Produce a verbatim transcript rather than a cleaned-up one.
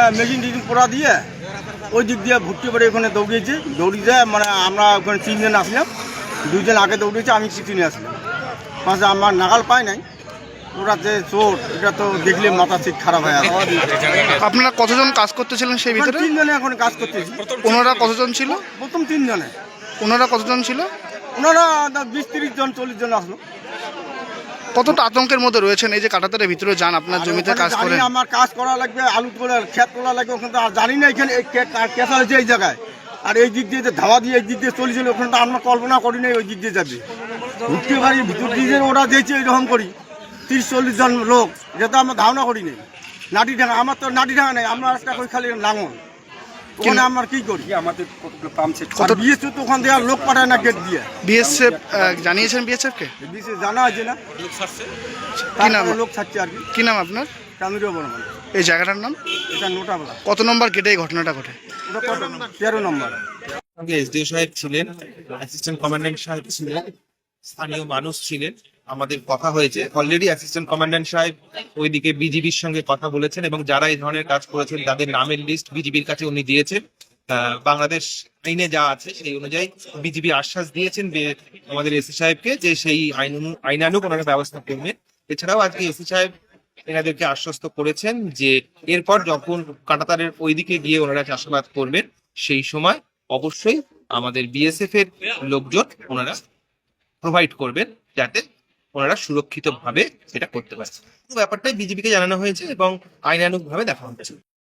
Machine টেশিন পোড়া দিয়ে ওই দিক দিয়ে ভর্তি করে ওখানে দৌড়িয়েছে দৌড়িয়ে যায় মানে আমরা ওখানে তিনজন আসলাম, দুইজন আগে দৌড়িয়েছে, আমি পিছনে আসলাম। পাশে আমার নাগাল পায় নাই, ওরা যে চোর এটা তো দেখলে মাথা ঠিক খারাপ হয়ে আছে। আপনারা কতজন কাজ করতেছিলেন সেই ভিতরে? তিনজনে এখন কাজ করতেছি। ওনারা কতজন ছিল? প্রথম তিনজনে। ওনারা কতজন ছিল? ওনারা বিশ তিরিশ জন চল্লিশ জন আসলো। কতটা আতঙ্কের মধ্যে রয়েছেন এই যে কাঁটাতারের ভিতরে যান আপনার জমিতে কাজ করেন? আমার কাজ করা লাগবে, আলু করে ক্ষেত করা লাগবে, ওখানে তো আর জানি না এখানে কেসা হয়েছে এই জায়গায়। আর এই দিক দিয়ে যে ধাওয়া দিয়ে এই দিক দিয়ে চলেছিল ওখানে তো আমরা কল্পনা করি নাই ওই দিক দিয়ে যাবে। ঘুরতে পারি ভিতর দিয়ে ওরা দিয়েছে এইরকম করি তিরিশ চল্লিশ জন লোক, এটা তো আমরা ধারণা করি নাই। নাটি ডাঙা, আমার তো নাটি ডাঙা নেই, আমরা একটা করি খালি লাঙল। ওখানে আমরা কি করি, আমাদের পাম্প সেট বিএসএফ তো ওখান থেকে আর লোক পাঠায় না গেট দিয়ে। বিএসএফ জানিয়েছেন বিএসএফ কে? বিএসএফ জানা আছে না, কি নাম লোক ছাড়ছে আর কি। কি নাম আপনার? কামিরুল বর্মন। এই জায়গাটার নাম? এটা নোটাবলা। কত নম্বর গেটে এই ঘটনাটা ঘটে? ওটা কত নম্বর? তেরো নম্বর। এসডিও সাহেব ছিলেন, অ্যাসিস্ট্যান্ট কমান্ড্যান্ট সাহেব ছিলেন, স্থানীয় মানুষ ছিলেন। আমাদের কথা হয়েছে অলরেডি, অ্যাসিস্ট্যান্ট কমান্ড্যান্ট সাহেব ওইদিকে বিজিবির সঙ্গে কথা বলেছেন এবং যারা এই ধরনের কাজ করেছেন তাদের নামের লিস্ট বিজিবির কাছে উনি দিয়েছেন। বাংলাদেশ আইনে যা আছে সেই অনুযায়ী বিজিবি আশ্বাস দিয়েছেন আমাদের এসি সাহেবকে যে সেই আইন আইনানুগ ওনারা ব্যবস্থা করবেন। এছাড়াও আজকে এসি সাহেব এনাদেরকে আশ্বস্ত করেছেন যে এরপর যখন কাঁটাতারের ওইদিকে গিয়ে ওনারা চাষাবাদ করবেন সেই সময় অবশ্যই আমাদের বিএসএফ এর লোকজন ওনারা প্রোভাইড করবেন যাতে ওনারা সুরক্ষিত ভাবে সেটা করতে পারে। ব্যাপারটাই বিজেপিকে জানানো হয়েছে এবং আইনানুগ ভাবে দেখা হচ্ছে।